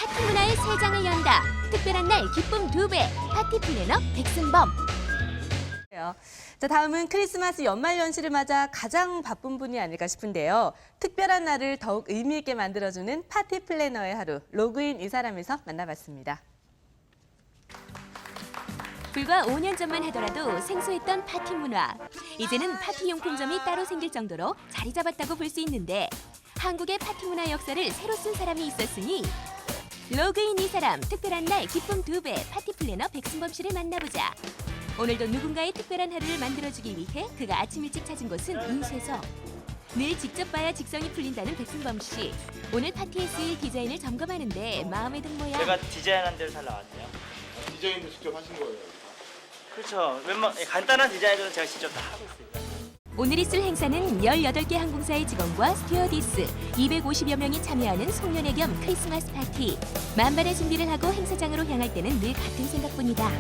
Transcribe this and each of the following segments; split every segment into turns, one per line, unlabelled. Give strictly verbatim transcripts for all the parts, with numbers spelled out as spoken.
파티 문화의 새 장을 연다. 특별한 날 기쁨 두 배. 파티 플래너 백승범.
자, 다음은 크리스마스 연말연시를 맞아 가장 바쁜 분이 아닐까 싶은데요. 특별한 날을 더욱 의미 있게 만들어주는 파티 플래너의 하루, 로그인 이 사람에서 만나봤습니다.
불과 오 년 전만 하더라도 생소했던 파티 문화. 이제는 파티 용품점이 따로 생길 정도로 자리 잡았다고 볼 수 있는데 한국의 파티 문화 역사를 새로 쓴 사람이 있었으니 로그인 이 사람, 특별한 날 기쁨 두 배 파티 플래너 백승범 씨를 만나보자. 오늘도 누군가의 특별한 하루를 만들어주기 위해 그가 아침 일찍 찾은 곳은 인쇄소. 늘 직접 봐야 직성이 풀린다는 백승범 씨. 오늘 파티에 쓰일 디자인을 점검하는데 마음에 든 모양.
제가 디자인한 대로 잘 나왔네요.
디자인도 직접 하신 거예요?
그렇죠. 웬만 간단한 디자인들은 제가 직접 다 하고 있습니다.
오늘 있을 행사는 열여덟 개 항공사의 직원과 스튜어디스 이백오십여 명이 참여하는 송년회 겸 크리스마스 파티. 만반의 준비를 하고 행사장으로 향할 때는 늘 같은 생각뿐이다.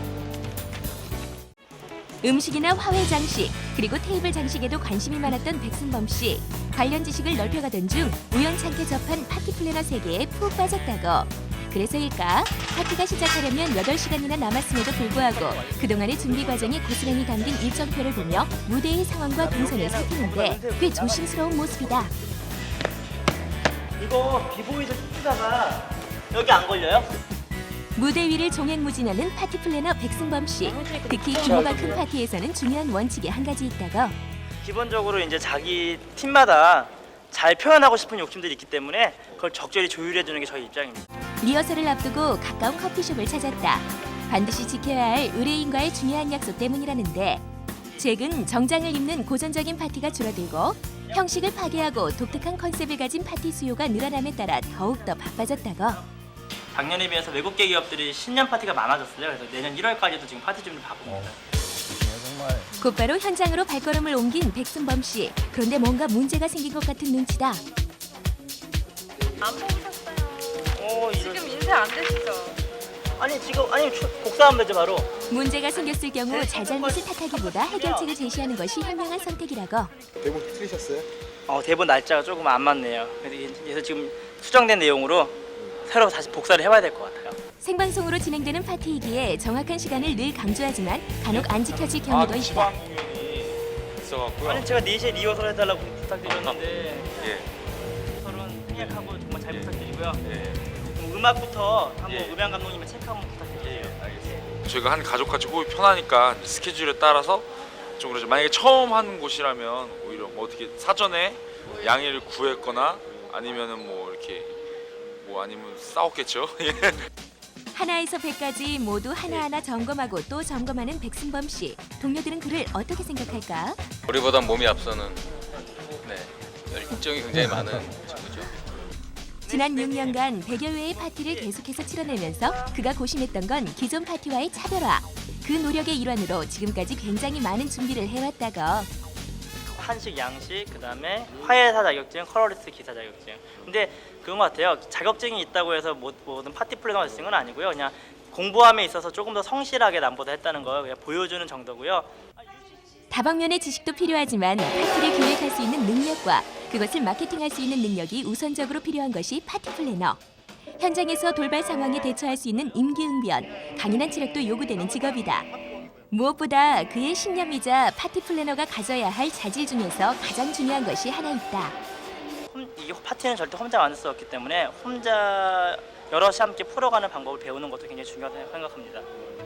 음식이나 화훼 장식, 그리고 테이블 장식에도 관심이 많았던 백승범 씨. 관련 지식을 넓혀가던 중 우연찮게 접한 파티 플래너 세계에 푹 빠졌다고. 그래서일까? 파티가 시작하려면 여덟 시간이나 남았음에도 불구하고 그동안의 준비 과정이 고스란히 담긴 일정표를 보며 무대의 상황과 동선을 살피는데 꽤 조심스러운 모습이다.
이거 비보이도 뜯다가 여기 안 걸려요?
무대 위를 종횡무진하는 파티 플래너 백승범 씨. 특히 규모가 큰 파티에서는 중요한 원칙이 한 가지 있다고.
기본적으로 이제 자기 팀마다 잘 표현하고 싶은 욕심들이 있기 때문에 그걸 적절히 조율해 주는 게 저희 입장입니다.
리허설을 앞두고 가까운 커피숍을 찾았다. 반드시 지켜야 할 의뢰인과의 중요한 약속 때문이라는데 최근 정장을 입는 고전적인 파티가 줄어들고 형식을 파괴하고 독특한 컨셉을 가진 파티 수요가 늘어남에 따라 더욱더 바빠졌다고.
작년에 비해서 외국계 기업들이 신년 파티가 많아졌어요. 그래서 내년 일월까지도 지금 파티 준비 바쁩니다.
곧바로 현장으로 발걸음을 옮긴 백승범 씨. 그런데 뭔가 문제가 생긴 것 같은 눈치다.
안 뽑으셨어요.
오,
지금 인쇄 안 되시죠?
아니 지금 아니 복사하면 되죠 바로.
문제가 생겼을 경우 잘잘못을 탓하기보다 해결책을 제시하는 것이 현명한 선택이라고.
대본 틀리셨어요?
어, 대본 날짜가 조금 안 맞네요. 그래서 그래서 지금 수정된 내용으로 새로 다시 복사를 해봐야 될 것 같아요.
생방송으로 진행되는 파티이기에 정확한 시간을 늘 강조하지만 간혹 안 지켜질 경우도 있다.
있어갖고요.
아니 제가 네 시에 리허설 해달라고 부탁드렸는데
예,
리허설은 생략하고 정말 잘
예.
부탁드리고요.
예,
그럼 음악부터 한번
예.
음향 감독님의 체크 한번 부탁드릴게요.
예, 알겠습니다. 저희가 한 가족같이 호흡이 편하니까 스케줄에 따라서 좀 그러죠. 만약에 처음 하는 곳이라면 오히려 뭐 어떻게 사전에 양해를 구했거나 아니면은 뭐 이렇게 뭐 아니면 싸웠겠죠. 예.
하나에서 백까지 모두 하나하나 점검하고 또 점검하는 백승범 씨. 동료들은 그를 어떻게 생각할까?
우리보다 몸이 앞서는 네, 열정이 굉장히 많은 친구죠.
지난 육 년간 백여 회의 파티를 계속해서 치러내면서 그가 고심했던 건 기존 파티와의 차별화. 그 노력의 일환으로 지금까지 굉장히 많은 준비를 해왔다고.
한식, 양식, 그다음에 화해사 자격증, 컬러리스트 기사 자격증. 근데 그런 것 같아요. 자격증이 있다고 해서 모든 파티 플래너가 되는 건 아니고요. 그냥 공부함에 있어서 조금 더 성실하게 남보다 했다는 걸 그냥 보여주는 정도고요.
다방면의 지식도 필요하지만 파티를 기획할 수 있는 능력과 그것을 마케팅할 수 있는 능력이 우선적으로 필요한 것이 파티 플래너. 현장에서 돌발 상황에 대처할 수 있는 임기응변, 강인한 체력도 요구되는 직업이다. 무엇보다 그의 신념이자 파티 플래너가 가져야 할 자질 중에서 가장 중요한 것이 하나 있다.
이 파티는 절대 혼자 만들 수 없기 때문에 혼자 여럿이 함께 풀어가는 방법을 배우는 것도 굉장히 중요하다고 생각합니다.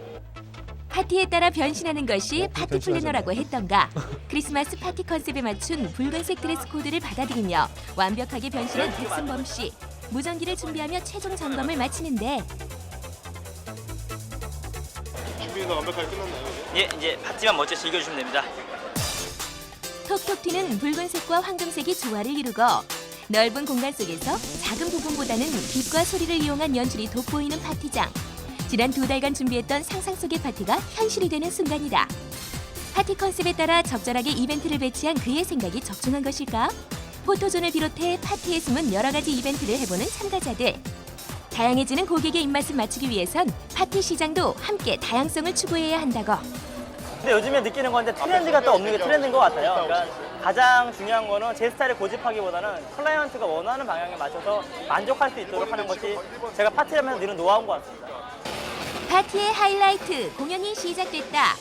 파티에 따라 변신하는 것이 파티 플래너라고 했던가. 크리스마스 파티 컨셉에 맞춘 붉은색 드레스 코드를 받아들이며 완벽하게 변신한 백승범 씨. 무전기를 준비하며 최종 점검을 마치는데
준비는 완벽하게 끝났나요?
예, 이제 파티만 멋지게 즐겨주시면 됩니다.
톡톡 튀는 붉은색과 황금색이 조화를 이루고 넓은 공간 속에서 작은 부분보다는 빛과 소리를 이용한 연출이 돋보이는 파티장. 지난 두 달간 준비했던 상상 속의 파티가 현실이 되는 순간이다. 파티 컨셉에 따라 적절하게 이벤트를 배치한 그의 생각이 적중한 것일까? 포토존을 비롯해 파티에 숨은 여러 가지 이벤트를 해보는 참가자들. 다양해지는 고객의 입맛을 맞추기 위해선 파티 시장도 함께 다양성을 추구해야 한다고.
근데 요즘에 느끼는 건데 트렌드가 또 없는 게 트렌드인 것 같아요. 그러니까 가장 중요한 거는 제 스타일을 고집하기보다는 클라이언트가 원하는 방향에 맞춰서 만족할 수 있도록 하는 것이 제가 파티를 하면서 늘은 노하우인 것 같습니다.
파티의 하이라이트 공연이 시작됐다.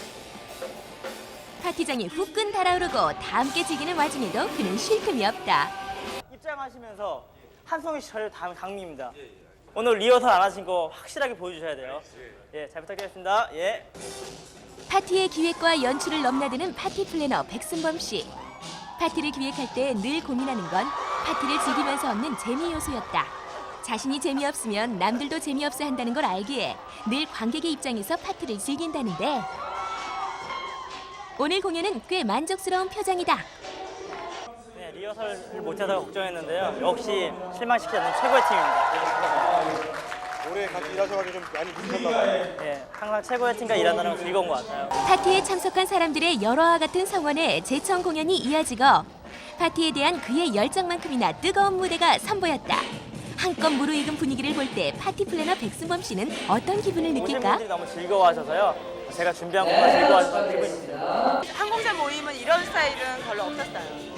파티장이 후끈 달아오르고 다 함께 즐기는 와중에도 그는 쉴 틈이 없다.
입장하시면서 한송이 씨 저희 다음 강미입니다. 오늘 리허설 안 하신 거 확실하게 보여주셔야 돼요. 예, 잘 부탁드리겠습니다. 예.
파티의 기획과 연출을 넘나드는 파티 플래너 백승범 씨. 파티를 기획할 때 늘 고민하는 건 파티를 즐기면서 얻는 재미 요소였다. 자신이 재미없으면 남들도 재미없어 한다는 걸 알기에 늘 관객의 입장에서 파티를 즐긴다는데 오늘 공연은 꽤 만족스러운 표정이다.
네, 리허설을 못해서 걱정했는데요. 역시 실망시키지 않는 최고의 팀입니다.
올해 같이 일하셔가지고 좀 많이 힘드셨나 봐요.
예, 항상 최고의 팀과 일한다는 건 즐거운 것 같아요.
파티에 참석한 사람들의 열화와 같은 성원에 재청 공연이 이어지고 파티에 대한 그의 열정만큼이나 뜨거운 무대가 선보였다. 한껏 무르익은 분위기를 볼 때 파티 플래너 백승범 씨는 어떤 기분을
오신
느낄까?
분들이 너무 즐거워하셔서요. 제가 준비한 것만 즐거워하셔서 기분이 있습니다.
항공사 모임은 이런 스타일은 별로 없었어요.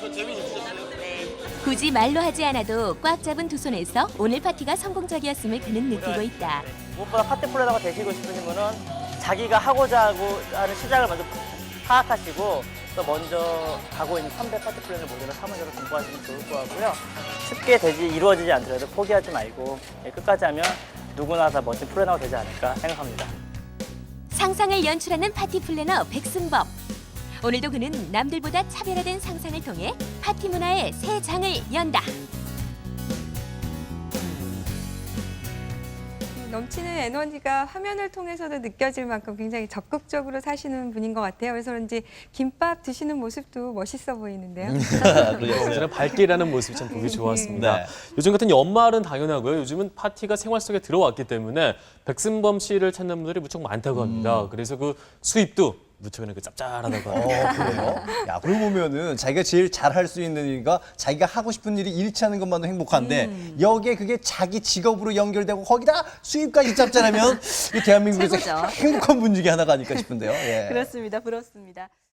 굳이 말로 하지 않아도 꽉 잡은 두 손에서 오늘 파티가 성공적이었음을 그는 느끼고 있다.
무엇보다 파티 플래너가 되시고 싶으신 분은 자기가 하고자 하고 하는 시작을 먼저 파악하시고 또 먼저 가고 있는 선배 파티 플래너 모델을 사무적으로 공부하시면 좋을 것 같고요. 쉽게 되지 이루어지지 않더라도 포기하지 말고 예, 끝까지 하면 누구나 다 멋진 플래너가 되지 않을까 생각합니다.
상상을 연출하는 파티 플래너 백승범. 오늘도 그는 남들보다 차별화된 상상을 통해 파티 문화의 새 장을 연다.
넘치는 에너지가 화면을 통해서도 느껴질 만큼 굉장히 적극적으로 사시는 분인 것 같아요. 그래서 그런지 김밥 드시는 모습도 멋있어 보이는데요.
그래요. 언제나 밝게 일하는 모습이 참 보기 좋았습니다.
네.
요즘 같은 연말은 당연하고요. 요즘은 파티가 생활 속에 들어왔기 때문에 백승범 씨를 찾는 분들이 무척 많다고 합니다. 그래서 그 수입도 무척 그 짭짤하다고 합니다.
어, 그래요? 야, 그러고 보면은 자기가 제일 잘할 수 있는 일과 자기가 하고 싶은 일이 일치하는 것만도 행복한데 여기에 그게 자기 직업으로 연결되고 거기다 수입까지 짭짤하면 이 대한민국에서
최고죠.
행복한 분 중에 하나가 아닐까 싶은데요. 예.
그렇습니다. 부럽습니다.